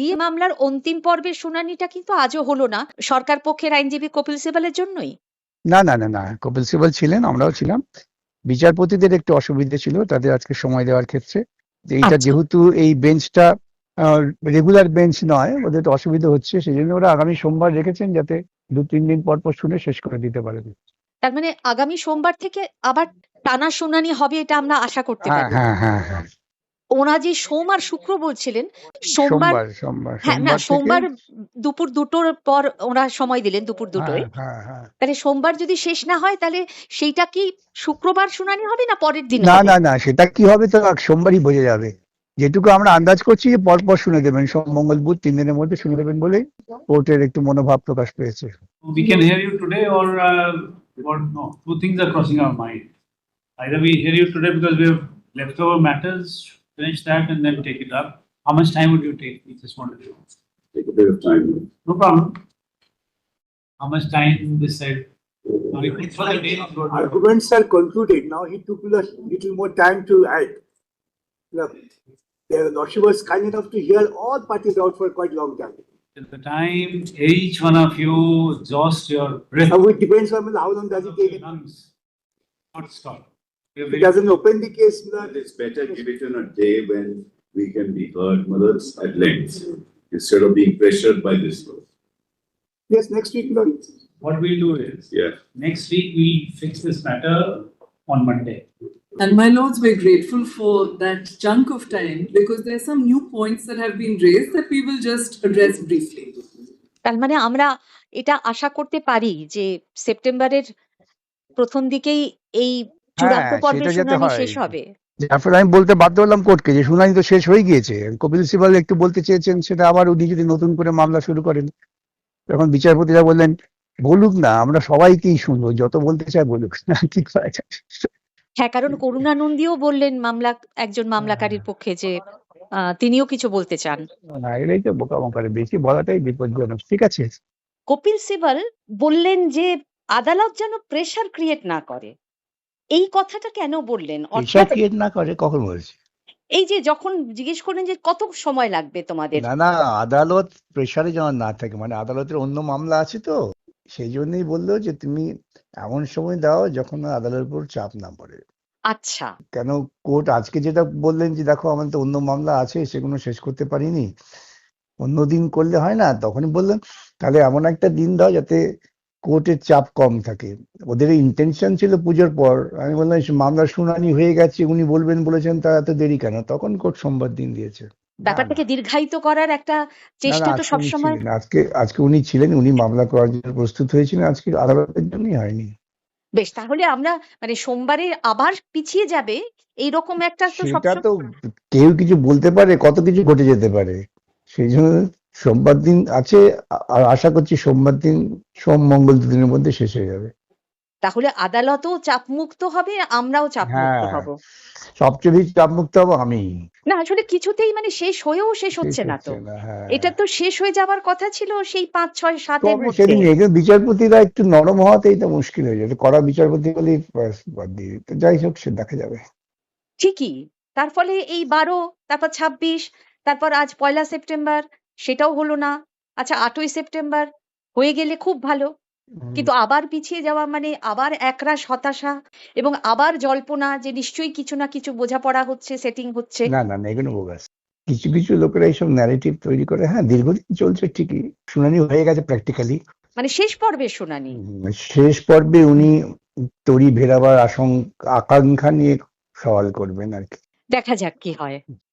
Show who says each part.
Speaker 1: DA মামলার অন্তিম পর্বের শুনানিটা কিন্তু আজও হলো না, সরকার পক্ষের আইনজীবী কপিল সিবালের জন্যই।
Speaker 2: না না না না, কপিল সিবাল ছিলেন, আমরাও ছিলাম। বিচারপতিদের একটু অসুবিধা ছিল তাদের আজকে সময় দেওয়ার ক্ষেত্রে, যে এইটা
Speaker 1: আচ্ছা।
Speaker 2: যেহেতু এই বেঞ্চটা রেগুলার বেঞ্চ নয়, ওদের একটু অসুবিধা হচ্ছে, সেই জন্য ওরা আগামী সোমবার রেখেছেন যাতে 2-3 দিন পর পর শুনে শেষ করে দিতে পারেন।
Speaker 1: তার মানে আগামী সোমবার থেকে আবার টানা শুনানি হবে, এটা আমরা আশা করতে
Speaker 2: হ্যাঁ
Speaker 1: পারি।
Speaker 2: হ্যাঁ হ্যাঁ হ্যাঁ,
Speaker 1: ওরা যে সোম আর শুক্র বলছিলেন, সোমবার,
Speaker 2: সোমবার সোমবার
Speaker 1: হ্যাঁ না,
Speaker 2: সোমবার থেকে।
Speaker 1: সোমবার দুপুর 2টোর পর ওরা সময় দিলেন, দুপুর
Speaker 2: হ্যাঁ
Speaker 1: 2টোয়।
Speaker 2: হ্যাঁ হ্যাঁ,
Speaker 1: তাহলে সোমবার যদি শেষ না হয়, তাহলে সেইটা কি শুক্রবার শুনানি হবে না পরের দিন
Speaker 2: না
Speaker 1: হবে?
Speaker 2: না না, সেটা কি হবে তো সোমবারই বোঝা যাবে। যেটুকু আমরা আন্দাজ করছি যে পরপর শুনে দেবেন, সোম মঙ্গল বুধ 3 দিনের মধ্যে শুনে দেবেন বলেই কোর্টের একটু মনোভাব প্রকাশ পেয়েছে।
Speaker 3: We can hear you today, or no? Two things are crossing our mind. Either we hear you today because we have leftover matters, finish that and then take it up. How much time would you take? We just wanted to
Speaker 4: Take a bit of time.
Speaker 3: No problem. How much time this side? No, we put for the day.
Speaker 5: Arguments are concluded. Now he took a little more time to add. Look, the Lordship was kind enough to hear all parties out for quite a long time.
Speaker 3: Till the time each one of you exhaust your breath.
Speaker 5: Now it depends on how long does it take.
Speaker 3: Lungs. Not stop.
Speaker 5: If it doesn't open the case,
Speaker 4: It's better give it on a day when we can be heard, mothers, at length, instead of being pressured by this.
Speaker 5: yes, next week, Lord.
Speaker 3: What we'll do is,
Speaker 4: Yeah.
Speaker 3: next week we fix this matter on Monday.
Speaker 6: And my lords, we're grateful for that chunk of time because there are some new points that have been raised that we will just address briefly.
Speaker 1: তার মানে আমরা এটা আশা করতে পারি যে সেপ্টেম্বরের প্রথম দিকেই এই চূড়ান্ত
Speaker 2: হ্যাঁ,
Speaker 1: পর্বের
Speaker 2: সেটা যাতে
Speaker 1: শুনানি
Speaker 2: হয়।
Speaker 1: শেষ হবে।
Speaker 2: তারপরে আমি বলতে বাধ্য হলাম কোর্টকে যে শুনানি তো শেষ হয়ে গিয়েছে, কপিল সিবাল একটু বলতে চেয়েছেন সেটা, আবার উনি যদি নতুন করে মামলা শুরু করেন, তখন বিচারপতিরা বললেন বলুক না, আমরা সবাইকেই শুনবো, যত বলতে চায় বলুক না, কি করা যায়।
Speaker 1: হ্যাঁ, কারণ করুণানন্দীও বললেন একজন মামলাকারীর পক্ষে যে তিনিও কিছু বলতে চান।
Speaker 2: না, এটাই তো বোকামো বেশি বলাটাই বিপজ্জনক। ঠিক আছে,
Speaker 1: কপিল সিবাল বললেন যে আদালত যেন প্রেসার ক্রিয়েট না করে। এই কথাটা কেন বললেন?
Speaker 2: প্রেশার ক্রিয়েট না করে কখন বলছে?
Speaker 1: এই যে যখন জিজ্ঞেস করেন যে কত সময় লাগবে তোমাদের,
Speaker 2: না না, আদালত প্রেশারে যেন না থাকে, মানে আদালতের অন্য মামলা আছে তো, সেই জন্যই বললো যে তুমি এমন সময় দাও যখন আদালতের উপর চাপ না পড়ে।
Speaker 1: আচ্ছা,
Speaker 2: কেন কোর্ট আজকে যেটা বললেন যে দেখো আমাদের তো অন্য মামলা আছে, সেগুলো শেষ করতে পারিনি, অন্যদিন করলে হয় না, তখনই বললেন তাহলে এমন একটা দিন দাও যাতে কোর্টের চাপ কম থাকে। ওদের ইন্টেনশন ছিল পুজোর পর। আমি বললাম মামলার শুনানি হয়ে গেছে, উনি বলবেন বলেছেন, তা এত দেরি কেন? তখন কোর্ট সোমবার দিন দিয়েছে।
Speaker 1: ব্যাপারটাকে দীর্ঘায়িত করার একটা
Speaker 2: না
Speaker 1: চেষ্টা
Speaker 2: না,
Speaker 1: তো
Speaker 2: আজকে উনি
Speaker 1: সবসময়।
Speaker 2: ছিলেন, আজকে উনি ছিলেন, উনি মামলা করার জন্য প্রস্তুত হয়েছিলেন, আজকে আদালতের জন্যই হয়নি।
Speaker 1: বেশ, তাহলে আমরা মানে সোমবারে আবার পিছিয়ে যাবে এইরকম একটা তো
Speaker 2: সেটা
Speaker 1: সবসময়।
Speaker 2: তো কেউ কিছু বলতে পারে, কত কিছু ঘটে যেতে পারে, সেই জন্য সোমবার দিন আছে, আর আশা করছি সোমবার দিন, সোম মঙ্গল 2 দিনের মধ্যে শেষ হয়ে যাবে।
Speaker 1: তাহলে আদালতও চাপমুক্ত হবে, আমরাও চাপমুক্ত
Speaker 2: হ্যাঁ,
Speaker 1: হব।
Speaker 2: সবচেয়ে বেশি চাপমুক্ত হবো আমি।
Speaker 1: না আসলে কিছুতেই মানে শেষ হয়েও শেষ হচ্ছে না তো।
Speaker 2: হ্যাঁ,
Speaker 1: এটা তো শেষ হয়ে যাওয়ার কথা ছিল সেই 5, 6, 7-এর
Speaker 2: তবে
Speaker 1: মধ্যে।
Speaker 2: সেদিন এখানে বিচারপতিরা একটু নরম হওয়াতেই তো মুশকিল হয়ে যাবে, কড়া বিচারপতি বলেই বাদ দিয়ে দিত। যাই হোক, সে দেখা যাবে।
Speaker 1: ঠিকই, তার ফলে এই 12, তারপর 26, তারপর আজ 1 সেপ্টেম্বর, সেটাও হলো না। আচ্ছা 8ই সেপ্টেম্বর হয়ে গেলে খুব ভালো, কিন্তু আবার পিছিয়ে যাওয়া মানে আবার একরাশ হতাশা এবং আবার জল্পনা যে নিশ্চয়ই কিছু না কিছু বোঝাপড়া হচ্ছে, সেটিং হচ্ছে।
Speaker 2: না না না, এগুলো বোগাস। কিছু কিছু লোকেরা এইসব ন্যারেটিভ তৈরি করে। হ্যাঁ, দীর্ঘদিন চলছে ঠিকই, শুনানি হয়ে গেছে প্র্যাকটিক্যালি।
Speaker 1: মানে শেষ পর্বের শুনানি।
Speaker 2: শেষ পর্বে উনি তড়ি ভেরাবার আকাঙ্ক্ষা নিয়ে সওয়াল করবেন আর কি।
Speaker 1: দেখা যাক কি হয়।